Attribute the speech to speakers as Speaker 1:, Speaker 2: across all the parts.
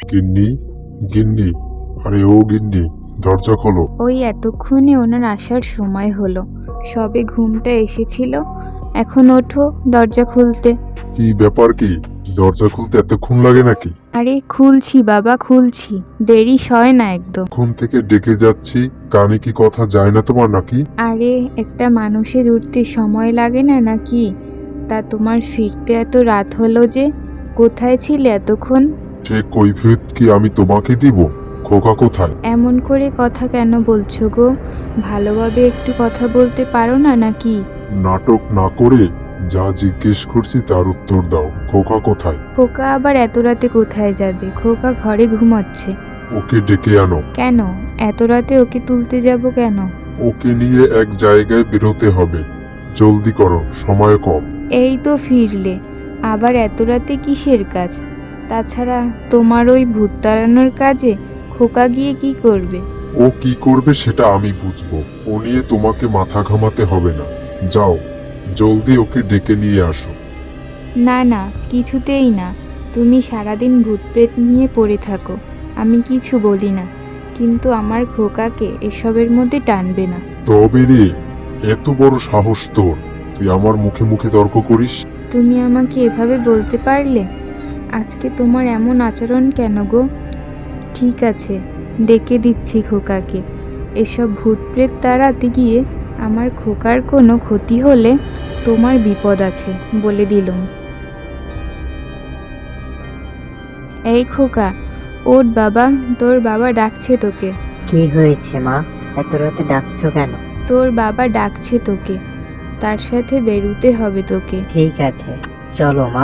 Speaker 1: গিন্নি, গিন্নি, আরে ও গিন্নি, দরজা খোলো।
Speaker 2: ওই এতক্ষণে ওনার আসার সময় হলো, সবে ঘুমটা এসেছিল। এখন ওঠো, দরজা খুলতে।
Speaker 1: কি ব্যাপার কি? দরজা খুলতে এতক্ষণ লাগে নাকি?
Speaker 2: আরে খুলছি বাবা, খুলছি, দেরি সয় না একদম।
Speaker 1: ঘুম থেকে ডেকে যাচ্ছি, কানে কি কথা যায় না তোমার নাকি?
Speaker 2: আরে একটা মানুষের উঠতে সময় লাগে না নাকি? তা তোমার ফিরতে এত রাত হলো যে? কোথায় ছিলে এতক্ষণ?
Speaker 1: সে কৈফিয়ত কি আমি তোমাকে দিব? খোকা কোথায়?
Speaker 2: এমন করে কথা কেন বলছো গো? ভালোভাবে একটু কথা বলতে পারো না নাকি?
Speaker 1: নাটক না করে যা জিজ্ঞেস করছি তার উত্তর দাও। খোকা কোথায়?
Speaker 2: খোকা আবার এত রাতে কোথায় যাবে? খোকা ঘরে ঘুমাচ্ছে।
Speaker 1: ওকে ডেকে আনো।
Speaker 2: কেন? এত রাতে ওকে তুলতে যাব কেন?
Speaker 1: ওকে নিয়ে এক জায়গায় বেরোতে হবে। জলদি করো, সময় কম।
Speaker 2: এই তো ফিরলে, আবার এত রাতে কিসের কাজ? তাছাড়া তোমার ওই ভূত তাড়ানোর কাজে খোকা গিয়ে কি করবে?
Speaker 1: ও কি করবে সেটা আমি বুঝবো। ও নিয়ে তোমাকে মাথা ঘামাতে হবে না। যাও, জলদি ওকে ডেকে নিয়ে আসো।
Speaker 2: না না, কিছুতেই না। তুমি সারাদিন ভূত প্রেত নিয়ে পড়ে থাকো, আমি কিছু বলি না, কিন্তু আমার খোকাকে এসবের মধ্যে টানবে না।
Speaker 1: তবে রে, এত বড় সাহস তোর, তুই আমার মুখে মুখে তর্ক করিস?
Speaker 2: তুমি আমাকে এভাবে বলতে পারলে? আজকে তোমার এমন আচরণ কেন গো? ঠিক আছে, ডেকে দিচ্ছি খোকাকে। এসব ভূত প্রেত তাড়াতে গিয়ে আমার খোকার কোনো ক্ষতি হলে তোমার বিপদ আছে, বলে দিলুম। এই খোকা, ওঠ বাবা, তোর বাবা ডাকছে তোকে।
Speaker 3: কি হয়েছে মা? এত রাতে ডাকছো কেন?
Speaker 2: তোর বাবা ডাকছে তোকে, তার সাথে বেরুতে হবে তোকে।
Speaker 3: ঠিক আছে, চলো মা।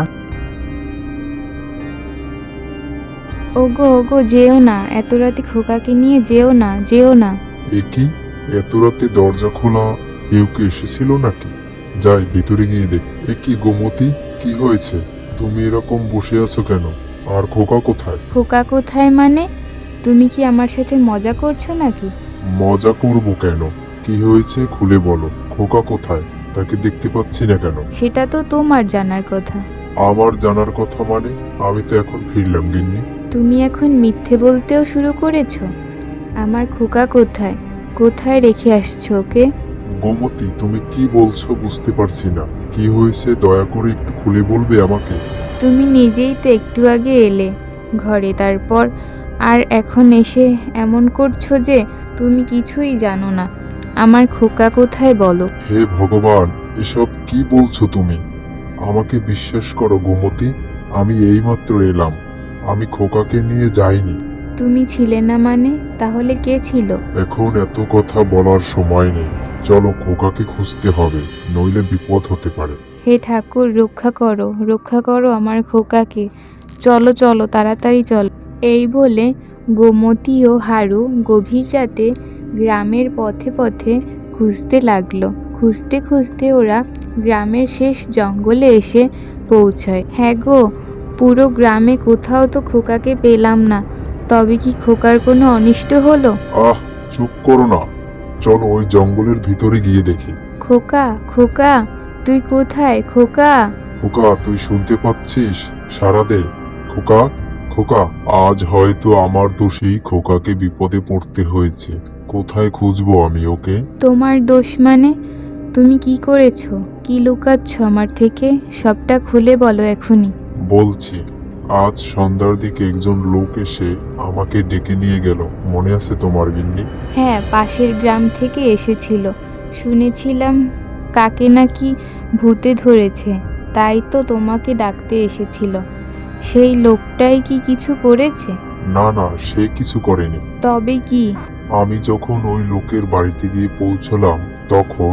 Speaker 2: ওগো ওগো, যেও না, এত রাতে খোকাকে নিয়ে যেও না, যেও না।
Speaker 1: এ কি, এত রাতে দরজা খোলা? কেউ কি এসেছিল নাকি? যাই ভিতরে গিয়ে দেখ। এ কি গোমতী, কি হয়েছে? তুমি এরকম বসে আছো কেন? আর খোকা কোথায়?
Speaker 2: খোকা কোথায় মানে? তুমি কি আমার সাথে মজা করছো নাকি?
Speaker 1: মজা করব কেন? কি হয়েছে খুলে বলো। খোকা কোথায়? তাকে দেখতে পাচ্ছি না কেন?
Speaker 2: সেটা তো তোমার জানার কথা।
Speaker 1: আমার জানার কথা মানে? আমি তো এখন ফিরলাম গিন্নি।
Speaker 2: তুমি এখন মিথ্যে বলতেও শুরু করেছো। আমার খোকা কোথায়? কোথায় রেখে আসছো ওকে?
Speaker 1: গোমতী, তুমি কি বলছো বুঝতে পারছি না। কি হয়েছে দয়া করে একটু খুলে বলবে আমাকে?
Speaker 2: তুমি নিজেই তো একটু আগে এলে ঘরে, তারপর আর এখন এসে এমন করছো যে তুমি কিছুই জানো না। আমার খোকা কোথায় বলো?
Speaker 1: হে ভগবান, এসব কি বলছো তুমি? আমাকে বিশ্বাস করো গোমতী, আমি এইমাত্র এলাম। আমি খোকাকে নিয়ে যাইনি।
Speaker 2: তুমি ছিলে না মানে? তাহলে কে ছিল?
Speaker 1: এখন এত কথা বলার সময় নেই। চলো, খোকাকে খুঁজতে হবে, নইলে বিপদ হতে পারে।
Speaker 2: হে ঠাকুর, রক্ষা করো, রক্ষা করো আমার খোকাকে। চলো চলো, তাড়াতাড়ি চলো। এই বলে গোমতী ও হারু গভীর রাতে গ্রামের পথে পথে খুঁজতে লাগলো। খুঁজতে খুঁজতে ওরা গ্রামের শেষ জঙ্গলে এসে পৌঁছায়। হ্যাঁ গো, পুরো গ্রামে কোথাও তো খোকাকে পেলাম না। তবে কি খোকার কোনো অনিষ্ট হলো?
Speaker 1: আহ, চুপ করো না। চলো ওই জঙ্গলের ভিতরে গিয়ে দেখি।
Speaker 2: খোকা, খোকা, তুই কোথায় খোকা?
Speaker 1: খোকা, তুই শুনতে পাচ্ছিস? সাড়া দে। খোকা, খোকা। আজ হয়তো আমার দোষেই খোকাকে বিপদে পড়তে হয়েছে। কোথায় খুঁজবো আমি ওকে?
Speaker 2: তোমার দোষ মানে? তুমি কি করেছো? কি লুকাচ্ছ আমার থেকে? সবটা খুলে বলো এখনই।
Speaker 1: বলছি, আজ সন্ধ্যার দিকে একজন লোক এসে আমাকে ডেকে নিয়ে গেল। মনে আছে তোমার গিন্নি?
Speaker 2: হ্যাঁ, পাশের গ্রাম থেকে এসেছিল। শুনেছিলাম কাকে নাকি ভূতে ধরেছে, তাই তো তোমাকে ডাকতে এসেছিল। সেই লোকটাই কি কিছু করেছে?
Speaker 1: না না, সে কিছু করেনি।
Speaker 2: তবে কি?
Speaker 1: আমি যখন ওই লোকের বাড়িতে গিয়ে পৌঁছলাম তখন...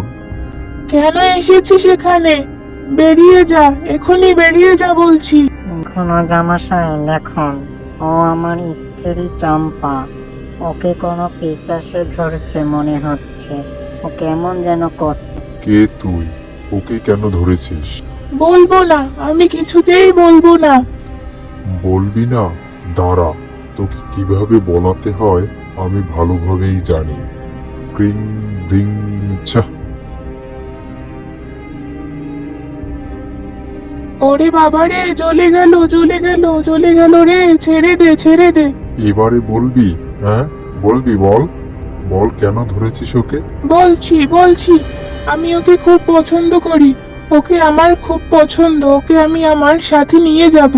Speaker 4: কেন এসেছিস এখানে? বেরিয়ে যা, এখনই বেরিয়ে যা বলছি।
Speaker 3: কোনো জামাশাই দেখুন, ও আমার স্ত্রী চম্পা। ওকে কোনো পিশাচে ধরছে মনে হচ্ছে। ও কেমন যেন করছে।
Speaker 1: কে তুই? ওকে কেন ধরেছিস?
Speaker 4: বলবো না, আমি কিছুতেই বলবো না।
Speaker 1: বলবি না? দাঁড়া, তোকে কিভাবে বলাতে হয় আমি ভালোভাবেই জানি। ক্রিং ব্রিং ছা।
Speaker 4: ওরে বাবা রে, জ্বলে গেল জ্বলে গেল জ্বলে গেল রে, ছেড়ে দে ছেড়ে দে।
Speaker 1: এবারে বলবি? হ্যাঁ বলবি, বল বল কেন ধরেছিস ওকে?
Speaker 4: বলছি বলছি, আমি ওকে খুব পছন্দ করি, ওকে আমার খুব পছন্দ, ওকে আমি আমার সাথে নিয়ে যাব।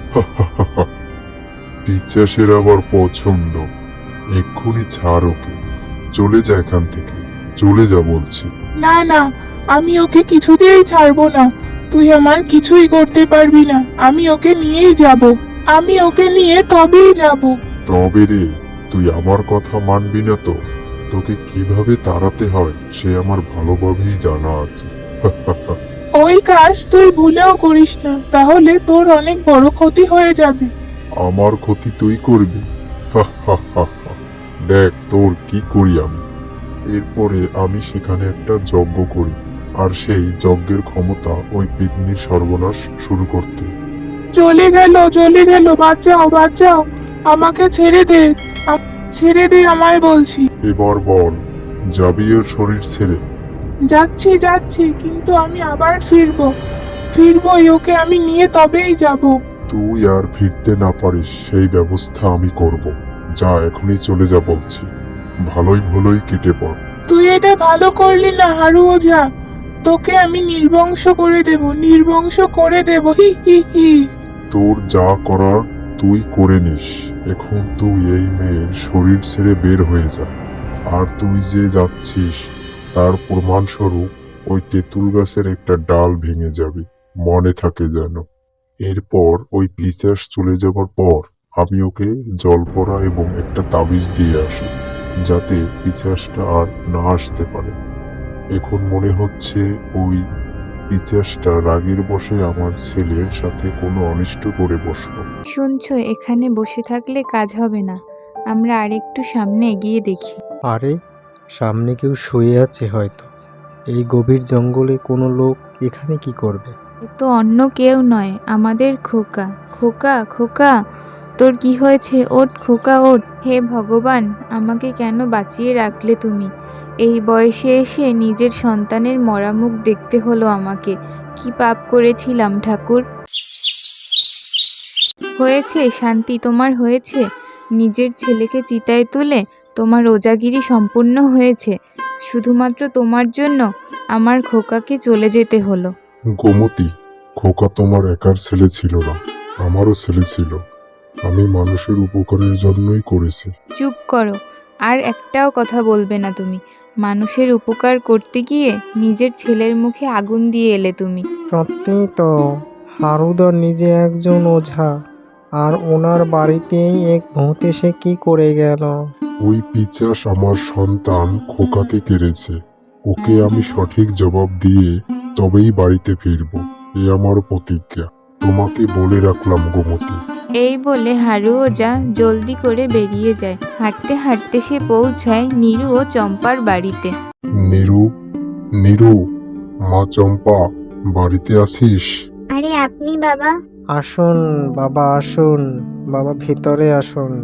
Speaker 1: পিচাসের আবার পছন্দ? এক্ষুনি ছাড় ওকে, চলে যা এখান থেকে, চলে যা বলছি।
Speaker 4: না না, আমি ওকে কিছুতেই ছাড়বো না, তুই আমার কিছুই করতে পারবি না, আমি ওকে নিয়েই যাব, আমি ওকে নিয়ে তবেই যাব।
Speaker 1: তবে রে, তুই আমার কথা মানবি না তো? তোকে কিভাবে তাড়াতে হয় সে আমার ভালোভাবেই জানা আছে।
Speaker 4: ওই কাজ তুই ভুলেও করিস না, তাহলে তোর অনেক বড় ক্ষতি হয়ে যাবে।
Speaker 1: আমার ক্ষতি তুই করবি? দেখ তোর কি করি আমি। এরপরে আমি সেখানে একটা যজ্ঞ করি, আর সেই যজ্ঞের ক্ষমতা ওই পিতনির সর্বনাশ শুরু করতে।
Speaker 4: চলে গেল, বাঁচাও বাঁচাও, আমাকে ছেড়ে দে, ছেড়ে দে আমায় বলছি।
Speaker 1: এবার বল, যাবি ওর শরীর ছেড়ে?
Speaker 4: যাচ্ছি যাচ্ছি, কিন্তু আমি আবার ফিরবই, ওকে আমি নিয়ে তবেই যাব।
Speaker 1: তুই আর ফিরতে না পারিস সেই ব্যবস্থা আমি করব। যা, এখনই চলে যা বলছি। ভালোই ভালোই কেটে পড়।
Speaker 4: তুই এটা ভালো করলি না হারু ওঝা, তোকে আমি নির্বংশ করে দেব, হি হি হি।
Speaker 1: তোর যা করার তুই করে নিস। এখন তুই এই মেয়ের শরীর ছেড়ে বের হয়ে যা। আর তুই যে যাচ্ছিস তার প্রমাণস্বরূপ ওই তেঁতুল গাছের একটা ডাল ভেঙে যাবে, মনে থাকে যেন। এরপর ওই পিচাস চলে যাবার পর আমি ওকে জলপড়া এবং একটা তাবিজ দিয়ে আসি, যাতে পিচাসটা আর না আসতে পারে। এখন মনে হচ্ছে ওই পিচাসটা রাগের বশে আমার ছেলের সাথে কোনো অনিষ্ট করে বসলো।
Speaker 2: শুনছো, এখানে বসে থাকলে কাজ হবে না, আমরা আরেকটু সামনে এগিয়ে দেখি।
Speaker 5: আরে, সামনে কেউ শুয়ে আছে হয়তো। এই গভীর জঙ্গলে কোনো লোক এখানে কি করবে?
Speaker 2: এ তো অন্য কেউ নয়, আমাদের খোকা। খোকা খোকা, তোর কি হয়েছে? ওঠ খোকা ওঠ। হে ভগবান, আমাকে কেন বাঁচিয়ে রাখলে তুমি? এই বয়সে এসে নিজের সন্তানের মরা মুখ দেখতে হলো আমাকে। কি পাপ করেছিলাম ঠাকুর? হয়েছে শান্তি, তোমার হয়েছে? নিজের ছেলেকে চিতায় তুলে তোমার ওজাগিরি সম্পূর্ণ হয়েছে। শুধুমাত্র তোমার জন্য আমার খোকাকে চলে যেতে হলো।
Speaker 1: গোমতী, খোকা তোমার একার ছেলে ছিল না, আমারও ছেলে ছিল। আমি মানুষের উপকারের জন্যই করেছি।
Speaker 2: চুপ করো, আর একটাও কথা বলবে না তুমি। মানুষের উপকার করতে গিয়ে নিজের ছেলের মুখে আগুন দিয়ে এলে তুমি।
Speaker 5: সত্যি তো, হারুদা নিজে একজন ওঝা, আর ওনার বাড়িতেই এক ভূত এসে কি করে গেল?
Speaker 1: ওই পিচাস আমার সন্তান খোকাকে কেড়েছে। ওকে আমি সঠিক জবাব দিয়ে তবেই বাড়িতে ফিরব, এ আমার প্রতিজ্ঞা। তোমাকে বলে রাখলাম গোমতী।
Speaker 2: এই বলে হারু ওঝা জলদি করে বেরিয়ে যায়। হাঁটতে হাঁটতে সে পৌঁছায় নীরু ও চম্পার বাড়িতে।
Speaker 1: নীরু, নীরু, মা চম্পা, বাড়িতে আছিস?
Speaker 6: আরে আপনি বাবা?
Speaker 5: আসুন বাবা, আসুন বাবা, ভিতরে আসুন।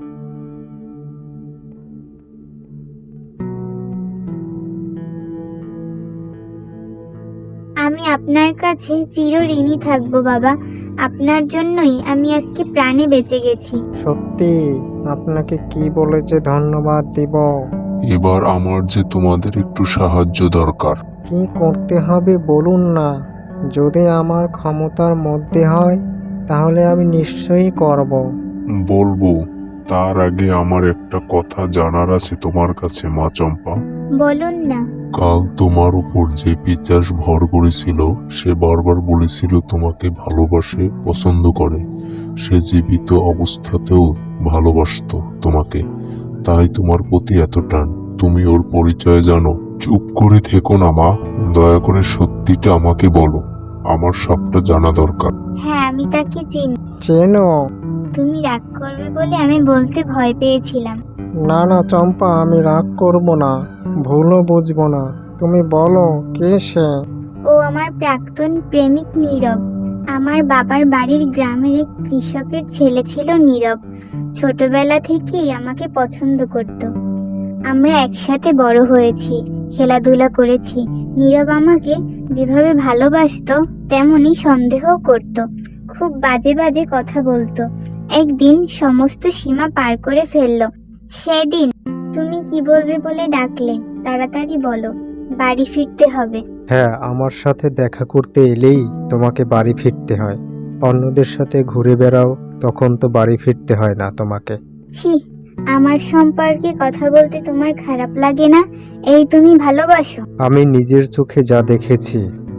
Speaker 6: আমি আপনার কাছে চিরঋণী থাকবো বাবা, আপনার জন্যই আমি আজকে প্রাণে বেঁচে গেছি।
Speaker 5: সত্যি, আপনাকে কি বলে যে ধন্যবাদ দিব।
Speaker 1: এবার আমার যে তোমাদের একটু সাহায্য দরকার।
Speaker 5: কি করতে হবে বলুন না, যদি আমার ক্ষমতার মধ্যে হয় তাহলে আমি নিশ্চয়ই করব।
Speaker 1: বলবো, তার আগে আমার একটা কথা জানার আছে তোমার কাছে মা চম্পা।
Speaker 6: বলুন না।
Speaker 1: কাল তোমার উপর যে পিচাস ভর করেছিল সে বারবার বলেছিল তোমাকে ভালোবাসে, পছন্দ করে। সে জীবিত অবস্থাতেও ভালোবাসতো তোমাকে, তাই তোমার প্রতি এত টান। তুমি ওর পরিচয় জানো? চুপ করে থেকো না মা, দয়া করে সত্যিটা আমাকে বলো, আমার সবটা জানা দরকার।
Speaker 6: হ্যাঁ, আমি তাকে চিনি।
Speaker 5: চেনো?
Speaker 6: তুমি রাগ করবে বলে আমি বলতে ভয় পেয়েছিলাম।
Speaker 5: না না চম্পা, আমি রাগ করব না, ভুলও বুঝবো না। তুমি বলো, কে সে?
Speaker 6: ও আমার প্রাক্তন প্রেমিক নীরব। আমার বাবার বাড়ির গ্রামের এক কৃষকের ছেলে ছিল নীরব। ছোটবেলা থেকেই আমাকে পছন্দ করত। আমরা একসাথে বড় হয়েছি, খেলাধুলা করেছি। নীরব আমাকে যেভাবে ভালোবাসতো তেমনই সন্দেহ করত, খুব বাজে বাজে কথা বলতো। একদিন সমস্ত সীমা পার করে ফেললো। সেদিন তুমি কি বলবে বলে ডাকলে? তাড়াতাড়ি বলো, বাড়ি ফিরতে হবে।
Speaker 5: হ্যাঁ, আমার সাথে দেখা করতে এলেই তোমাকে বাড়ি ফিরতে হয়। অন্যদের সাথে ঘুরে বেড়াও, তখন তো বাড়ি ফিরতে হয় না তোমাকে।
Speaker 6: ছি, আমার সম্পর্কে কথা বলতে তোমার খারাপ লাগে না? এই তুমি ভালোবাসো?
Speaker 5: আমি নিজের চোখে যা দেখেছি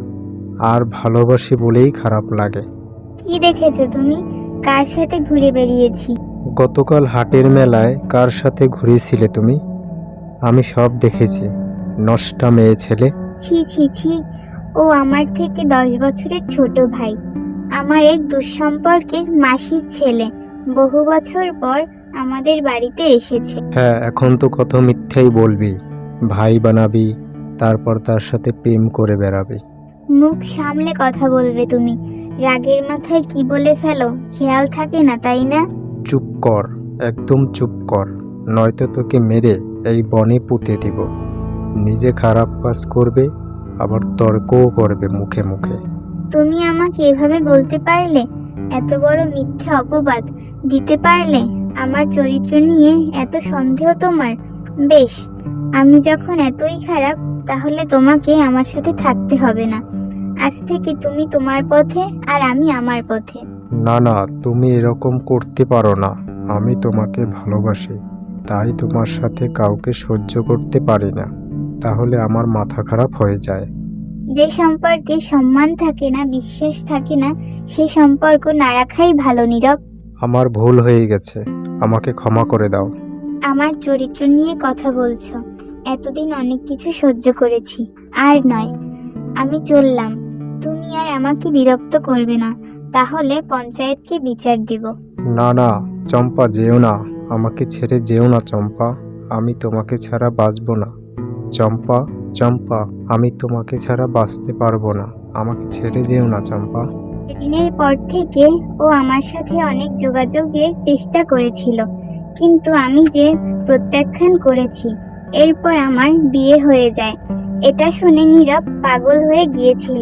Speaker 5: আর ভালোবাসি বলেই খারাপ লাগে।
Speaker 6: কি দেখেছো তুমি? কার সাথে ঘুরে বেরিয়েছি?
Speaker 5: গতকাল হাটের মেলায় কার সাথে ঘুরেছিলে তুমি? আমি সব দেখেছি। নষ্টা মেয়ে ছেলে।
Speaker 6: ছি ছি ছি, ও আমার থেকে 10 বছরের ছোট ভাই, আমার এক দুঃসম্পর্কের মাসির ছেলে। বহু বছর পর আমাদের বাড়িতে এসেছে।
Speaker 5: হ্যাঁ, এখন তো কত মিথ্যাই বলবি। ভাই বানাবি, তারপর তার সাথে প্রেম করে বেড়াবি।
Speaker 6: মুখ সামলে কথা বলবে তুমি। রাগের মাথায় কি বলে ফেলো, খেয়াল থাকে না, তাই না?
Speaker 5: চুপ কর, একদম চুপ কর, নয়তো তোকে মেরে এই বনে পুঁতে দিব। নিজে খারাপ কাজ করবে, আবার তর্কও করবে মুখে মুখে।
Speaker 6: তুমি আমাকে এভাবে বলতে পারলে? এত বড় মিথ্যে অপবাদ দিতে পারলে? আমার চরিত্র নিয়ে এত সন্দেহ তোমার? বেশ, আমি যখন এতই খারাপ, তাহলে তোমাকে আমার সাথে থাকতে হবে না। আজ থেকে তুমি তোমার পথে আর আমি আমার পথে।
Speaker 5: না না, তুমি এরকম করতে পারো না। আমি তোমাকে ভালোবাসি, তাই তোমার সাথে কাউকে সহ্য করতে পারি না, তাহলে আমার মাথা খারাপ হয়ে যায়।
Speaker 6: যে সম্পর্কে সম্মান থাকে না, বিশ্বাস থাকে না, সেই সম্পর্ক না রাখাই ভালো। নীরব,
Speaker 5: আমার ভুল হয়ে গেছে, আমাকে ক্ষমা করে দাও।
Speaker 6: আমার চরিত্র নিয়ে কথা বলছো? এতদিন অনেক কিছু সহ্য করেছি, আর নয়। আমি চললাম। তুমি আর আমাকে বিরক্ত করবে না, তাহলে পঞ্চায়েতকে বিচার দিব।
Speaker 5: না না চম্পা, যেও না, আমাকে ছেড়ে যেও না চম্পা। আমি তোমাকে ছাড়া বাঁচব না চম্পা। চম্পা, আমি তোমাকে ছাড়া বাঁচতে পারবো না, আমাকে ছেড়ে যেও না চম্পা।
Speaker 6: সেদিনের পর থেকে ও আমার সাথে অনেক যোগাযোগের চেষ্টা করেছিল, কিন্তু আমি যে প্রত্যাখ্যান করেছি। এরপর আমার বিয়ে হয়ে যায়। এটা শুনে নীরব পাগল হয়ে গিয়েছিল।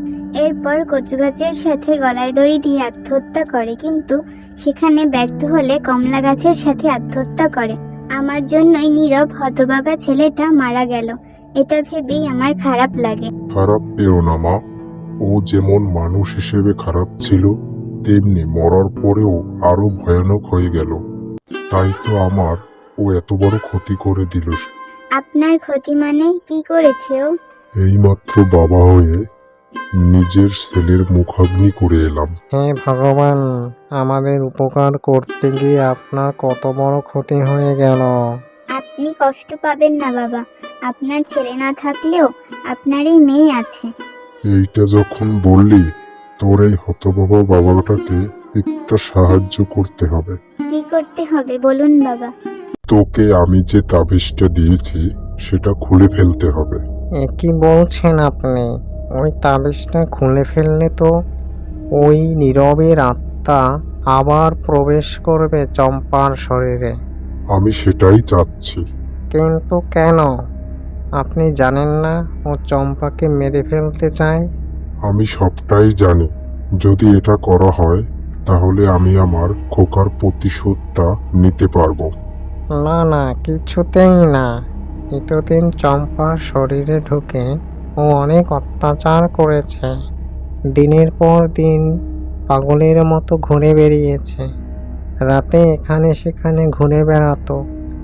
Speaker 6: এরপর কচু গাছের সাথে গলায় দড়ি দিয়ে আত্মহত্যা করে, কিন্তু সেখানে ব্যর্থ হলে কমলা গাছের সাথে আত্মহত্যা করে। আমার জন্যই নীরব হতভাগা ছেলেটা মারা গেল। এটা ভেবেই আমার খারাপ লাগে।
Speaker 1: খারাপ পেও না মা, ও যেমন মানুষ হিসেবে খারাপ ছিল, তেমনি মরার পরেও আরো ভয়ানক হয়ে গেল। তাই তো আমার ও এত বড় ক্ষতি করে দিল।
Speaker 6: আপনার ক্ষতি মানে? কি করেছে ও?
Speaker 1: এইমাত্র বাবা হয়ে নিজের ছেলের মুখাগ্নি করে এলাম।
Speaker 5: হে ভগবান, আমাদের উপকার করতে গিয়ে আপনার কত বড় ক্ষতি হয়ে গেল।
Speaker 6: আপনি কষ্ট পাবেন না বাবা, আপনার ছেলে না থাকলেও আপনার এই মেয়ে আছে।
Speaker 1: এইটা যখন বললি, তোর এই হতভাগা বাবাটাকে একটা সাহায্য করতে হবে।
Speaker 6: কি করতে হবে বলুন বাবা।
Speaker 1: তোকে আমি যে তাবিজটা দিয়েছি সেটা খুলে ফেলতে হবে।
Speaker 5: এ কি বলছেন আপনি? ওই তাবিজটা খুলে ফেললে তো ওই নীরবের আত্মা আবার প্রবেশ করবে চম্পার শরীরে।
Speaker 1: আমি সেটাই চাচ্ছি।
Speaker 5: কিন্তু কেন? আপনি জানেন না ও চম্পাকে মেরে ফেলতে চায়?
Speaker 1: আমি সবটাই জানি। যদি এটা করা হয়, তাহলে আমি আমার খোকার প্রতিশোধটা নিতে পারবো।
Speaker 5: না না, কিছুতেই না। এতদিন চম্পার শরীরে ঢুকে ও অনেক অত্যাচার করেছে। দিনের পর দিন পাগলের মতো ঘুরে বেরিয়েছে। রাতে এখানে সেখানে ঘুরে বেড়াতো।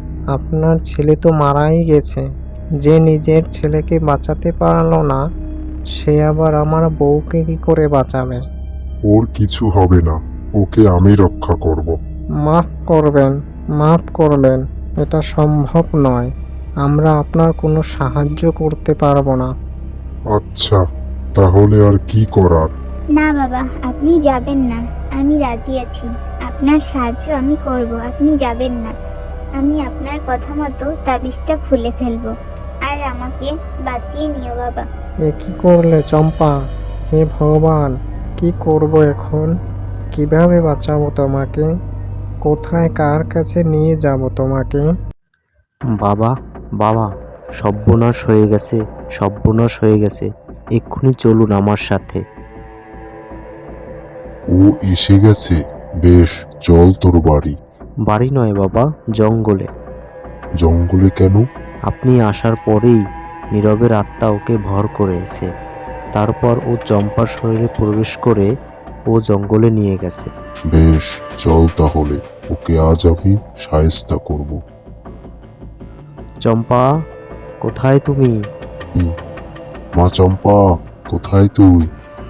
Speaker 5: আপনার ছেলে তো মারাই গেছে। যে নিজের ছেলেকে বাঁচাতে পারলো না, সে আবার আমার বউকে কি করে বাঁচাবে?
Speaker 1: ওর কিছু হবে না, ওকে আমি রক্ষা করব।
Speaker 5: মাফ করবেন, মাফ করবেন, এটা সম্ভব নয়। আমরা আপনার কোনো সাহায্য করতে পারবো না।
Speaker 1: আচ্ছা, তাহলে আর কি করার?
Speaker 6: না বাবা, আপনি যাবেন না। আমি রাজি আছি, আপনার সাহায্য আমি করব। আপনি যাবেন না। আমি আপনার কথা মতো তাবিজটা খুলে ফেলবো, আর আমাকে বাঁচিয়ে নিও বাবা।
Speaker 5: এ কি করলে চম্পা? হে ভগবান, কি করব এখন? কিভাবে বাঁচাবো তোমাকে? কোথায় কার কাছে নিয়ে যাব তোমাকে?
Speaker 7: বাবা, বাবা, সর্বনাশ হয়ে গেছে, সর্বনাশ হয়ে গেছে। এক্ষুনি চলুন আমার সাথে।
Speaker 1: ও এসে গেছে, বেশ, চল তোর বাড়ি।
Speaker 7: বাড়ি নয় বাবা, জঙ্গলে।
Speaker 1: জঙ্গলে কেন?
Speaker 7: আপনি আসার পরেই নীরবের আত্মা ওকে ভর করেছে। তারপর ও চম্পার শরীরে প্রবেশ করে ও জঙ্গলে নিয়ে গেছে।
Speaker 1: বেশ, চল তাহলে, ওকে আজ আমি শায়েস্তা করব।
Speaker 7: চম্পা, কোথায় তুমি?
Speaker 1: মা চম্পা, কোথায় তুই?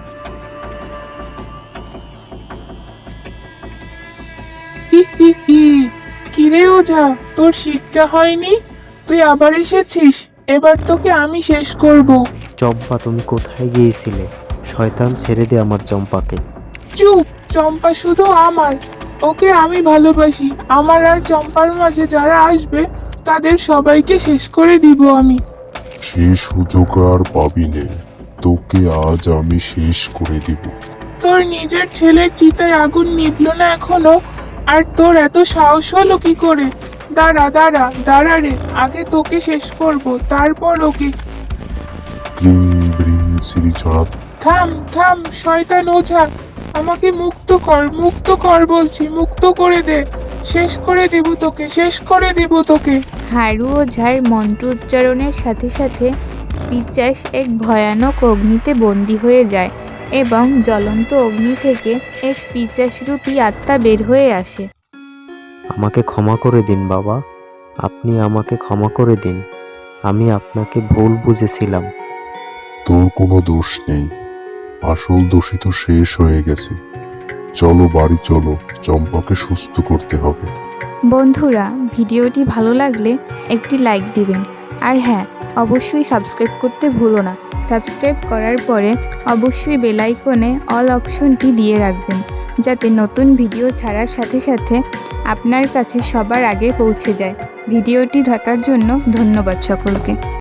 Speaker 4: কিরে ওঝা, তোর শিক্ষা হয়নি? তুই আবার এসেছিস? এবার তোকে আমি শেষ করব।
Speaker 7: চম্পা, তুমি কোথায় গিয়েছিলে? শয়তান, ছেড়ে দে আমার চম্পাকে।
Speaker 4: চুপ! চম্পা শুধু আমার, ওকে আমি ভালোবাসি। আমার আর চম্পার মাঝে যারা আসবে তাদের সবাইকে শেষ করে দিব আমি।
Speaker 1: সে সুযোগ আর পাবি নে, তোকে আজ আমি শেষ করে দিব।
Speaker 4: তোর নিজের ছেলের চিতায় আগুন নিভলো না এখনো, আর তোর এত সাহস হলো কি করে? দাঁড়া দাঁড়া দাঁড়া রে, আগে তোকে শেষ করব, তারপর ওকে।
Speaker 1: ক্রিং ব্রিং শ্রীচড়া।
Speaker 4: থাম থাম, শয়তান ওঝা, আমাকে মুক্ত কর বলছি, মুক্ত করে দে। শেষ করে দিব তোকে, শেষ করে দিব তোকে।
Speaker 2: হারু ওঝার মন্ত্র উচ্চারণের সাথে সাথে পিচাস এক ভয়ানক অগ্নিতে বন্দী হয়ে যায় এবং জ্বলন্ত অগ্নি থেকে এক পিচাসরূপী আত্মা বের হয়ে আসে।
Speaker 7: আমাকে ক্ষমা করে দিন বাবা, আপনি আমাকে ক্ষমা করে দিন। আমি আপনাকে ভুল বুঝেছিলাম।
Speaker 1: তোর কোনো দোষ নেই, আসল দোষী তো শেষ হয়ে গেছে। চলো বাড়ি চলো, চম্পাকে সুস্থ করতে হবে।
Speaker 2: বন্ধুরা, ভিডিওটি ভালো লাগলে একটি লাইক দিবেন, আর হ্যাঁ, অবশ্যই সাবস্ক্রাইব করতে ভুলো না। সাবস্ক্রাইব করার পরে অবশ্যই বেল আইকনে অল অপশনটি দিয়ে রাখবেন, যাতে নতুন ভিডিও ছাড়ার সাথে সাথে আপনার কাছে সবার আগে পৌঁছে যায়। ভিডিওটি দেখার জন্য ধন্যবাদ সকলকে।